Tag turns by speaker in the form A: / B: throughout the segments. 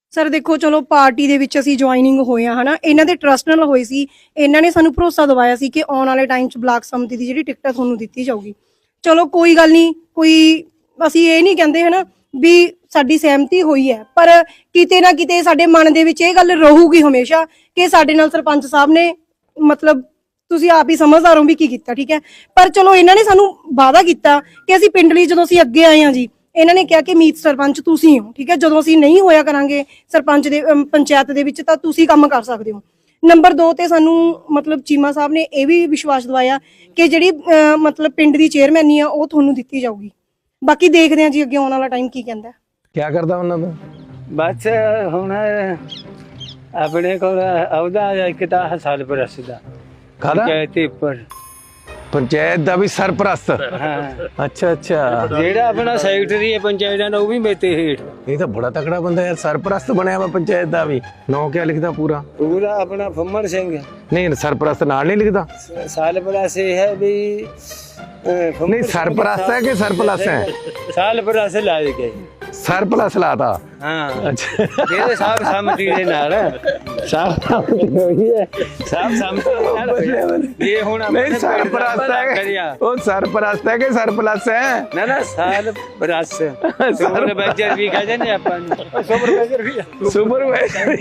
A: Sir ਦੇਖੋ ਚਲੋ party ਦੇ ਵਿੱਚ ਅਸੀਂ ਜੁਆਇਨਿੰਗ ਹੋਏ ਆ ਹਨਾ, ਇਹਨਾਂ ਦੇ ਟਰਸਟ ਨਾਲ ਹੋਈ ਸੀ। ਇਹਨਾਂ ਨੇ ਸਾਨੂੰ ਭਰੋਸਾ ਦਿਵਾਇਆ ਸੀ ਕਿ ਆਉਣ ਵਾਲੇ ਟਾਈਮ 'ਚ ਬਲਾਕ ਸੰਮਤੀ ਦੀ ਜਿਹੜੀ ਟਿਕਟ ਤੁਹਾਨੂੰ ਦਿੱਤੀ ਜਾਊਗੀ। ਚਲੋ ਕੋਈ ਗੱਲ ਨਹੀਂ, ਕੋਈ ਅਸੀਂ ਇਹ ਨਹੀਂ ਕਹਿੰਦੇ ਹਨਾ ਵੀ ਸਾਡੀ ਸਹਿਮਤੀ ਹੋਈ ਹੈ, ਪਰ ਕਿਤੇ ਨਾ ਕਿਤੇ ਸਾਡੇ ਮਨ ਦੇ ਵਿੱਚ ਇਹ ਗੱਲ ਰਹੂਗੀ ਹਮੇਸ਼ਾ ਕਿ ਸਾਡੇ ਨਾਲ ਸਰਪੰਚ ਸਾਹਿਬ ਨੇ ਮਤਲਬ ਤੁਸੀਂ ਆਪ ਹੀ ਸਮਝਦਾਰ ਹੋ ਵੀ ਕੀ ਕੀਤਾ, ਠੀਕ ਹੈ। ਪਰ ਚਲੋ ਇਹਨਾਂ ਨੇ ਸਾਨੂੰ ਵਾਅਦਾ ਕੀਤਾ ਕਿ ਅਸੀਂ ਪਿੰਡ ਲਈ ਜਦੋਂ ਅਸੀਂ ਅੱਗੇ ਆਏ ਹਾਂ ਜੀ, ਇਹਨਾਂ ਨੇ ਕਿਹਾ ਕਿ ਮੀਤ ਸਰਪੰਚ ਤੁਸੀਂ ਹੋ, ਠੀਕ ਹੈ। ਜਦੋਂ ਅਸੀਂ ਨਹੀਂ ਹੋਇਆ ਕਰਾਂਗੇ ਸਰਪੰਚ ਦੇ ਪੰਚਾਇਤ ਦੇ ਵਿੱਚ ਤਾਂ ਤੁਸੀਂ ਕੰਮ ਕਰ ਸਕਦੇ ਹੋ। ਨੰਬਰ 2 ਤੇ ਸਾਨੂੰ ਮਤਲਬ ਚੀਮਾ ਸਾਹਿਬ ਨੇ ਇਹ ਵੀ ਵਿਸ਼ਵਾਸ ਦਿਵਾਇਆ ਕਿ ਜਿਹੜੀ ਮਤਲਬ ਪਿੰਡ ਦੀ ਚੇਅਰਮੈਨੀ ਆ ਉਹ ਤੁਹਾਨੂੰ ਦਿੱਤੀ ਜਾਊਗੀ। ਬਾਕੀ ਦੇਖਦੇ ਹਾਂ ਜੀ ਅੱਗੇ ਆਉਣ ਵਾਲਾ ਟਾਈਮ ਕੀ ਕਹਿੰਦਾ।
B: ਕਿਆ ਕਰਦਾ ਉਹਨਾਂ ਦਾ?
C: ਬਸ ਹੁਣ ਆਪਣੇ ਕੋਲ ਆਉਦਾ ਇੱਕ ਤਾਂ ਸਾਲ ਪ੍ਰਸ ਦਾ
B: ਕਾਹਦਾ?
C: ਪੰਚਾਇਤੀ ਉੱਪਰ
B: ਪੰਚਾਇਤ ਦਾ ਵੀ ਸਰਪ੍ਰਸਤ।
C: ਹਾਂ,
B: ਅੱਛਾ ਅੱਛਾ,
C: ਜਿਹੜਾ ਆਪਣਾ ਸੈਕਟਰੀ ਹੈ ਪੰਚਾਇਤਾਂ ਦਾ ਉਹ ਵੀ ਮੇਤੇ ਹੇਠ।
B: ਇਹ ਤਾਂ ਬੜਾ ਤਕੜਾ ਬੰਦਾ ਯਾਰ, ਸਰਪ੍ਰਸਤ ਬਣਿਆ ਵਾ ਪੰਚਾਇਤ ਦਾ ਵੀ। ਨਾਂ ਕਿਆ ਲਿਖਦਾ ਪੂਰਾ?
C: ਪੂਰਾ ਆਪਣਾ ਫੰਮਣ ਸਿੰਘ।
B: ਨਹੀਂ ਸਰਪ੍ਰਸਤ ਨਾਲ ਨਹੀਂ ਲਿਖਦਾ।
C: ਸਾਲ ਪ੍ਰਸ ਇਹ ਹੈ ਵੀ
B: ਨਹੀਂ ਸਰਪ੍ਰਸਤ ਹੈ ਕਿ ਸਰਪਲਸ ਹੈ?
C: ਸਾਲ ਪ੍ਰਸ ਲਾ ਦੇ ਗਏ।
B: ਸਰਪਲਸ ਲਾਤਾ।
C: ਹਾਂ,
B: ਅੱਛਾ,
C: ਇਹਦੇ ਸਾਹਿਬ ਸੰਮਤੀ ਦੇ ਨਾਲ ਸਾਹਿਬ ਹੋਈ ਹੈ, ਸਾਹਿਬ ਸੰਮਤੀ ਦੇ ਨਾਲ ਇਹ ਹੁਣ
B: ਨਹੀਂ ਸਰਪ੍ਰਸਤ ਹੈ, ਉਹ ਸਰਪ੍ਰਸਤ ਹੈ ਕਿ ਸਰਪਲਸ ਹੈ?
C: ਨਾ ਨਾ ਸਾਲ ਪ੍ਰਸ ਸੁਪਰਵਾਈਜ਼ਰ ਵੀ ਕਹਿੰਦੇ ਨੇ ਆਪਾਂ ਨੂੰ। ਸੁਪਰਵਾਈਜ਼ਰ ਵੀ
B: ਸੁਪਰਵਾਈਜ਼ਰ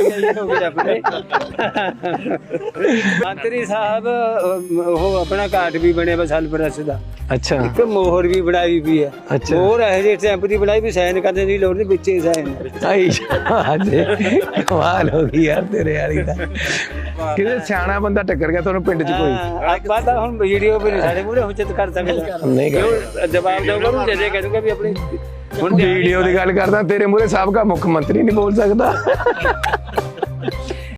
C: ਮੰਤਰੀ ਸਾਹਿਬ ਉਹ ਆਪਣਾ ਕਾਰਡ ਵੀ ਬਣਿਆ ਵਾ ਸਾਲ ਪ੍ਰਸ ਦਾ।
B: ਅੱਛਾ
C: ਇੱਕ ਮੋਹਰ ਵੀ ਬਣਾਈ ਵੀ ਹੈ।
B: ਅੱਛਾ।
C: ਮੋਹਰ ਇਹ ਜਿਹੇ ਸਟੈਂਪ ਦੀ ਬਣਾਈ ਵੀ ਸਾਈਨ ਕਰਨ ਦੀ ਲੋੜ ਨਹੀਂ, ਵਿੱਚੇ ਸਾਈਨ।
B: ਆਈ ਅੱਜ ਕਮਾਲ ਹੋ ਗਈ ਯਾਰ ਤੇਰੇ ਵਾਲੀ ਦਾ। ਕਿਤੇ ਸਿਆਣਾ ਬੰਦਾ ਟੱਕਰ ਗਿਆ ਤੁਹਾਨੂੰ ਪਿੰਡ 'ਚ ਕੋਈ?
C: ਆਪਾਂ ਤਾਂ ਹੁਣ ਵੀਡੀਓ ਵੀ ਨਹੀਂ ਸਾਡੇ ਮੂਹਰੇ ਹੁਚਤ ਕਰ ਸਕਦਾ।
B: ਨਹੀਂ ਕਰ
C: ਜਵਾਬ ਦਊਗਾ ਉਹਨੂੰ ਜਦੇ ਕਹਿ ਦੂੰਗਾ ਵੀ ਆਪਣੀ
B: ਹੁਣ ਵੀਡੀਓ ਦੀ ਗੱਲ ਕਰਦਾ, ਤੇਰੇ ਮੂਹਰੇ ਸਾਬਕਾ ਮੁੱਖ ਮੰਤਰੀ ਨਹੀਂ ਬੋਲ ਸਕਦਾ।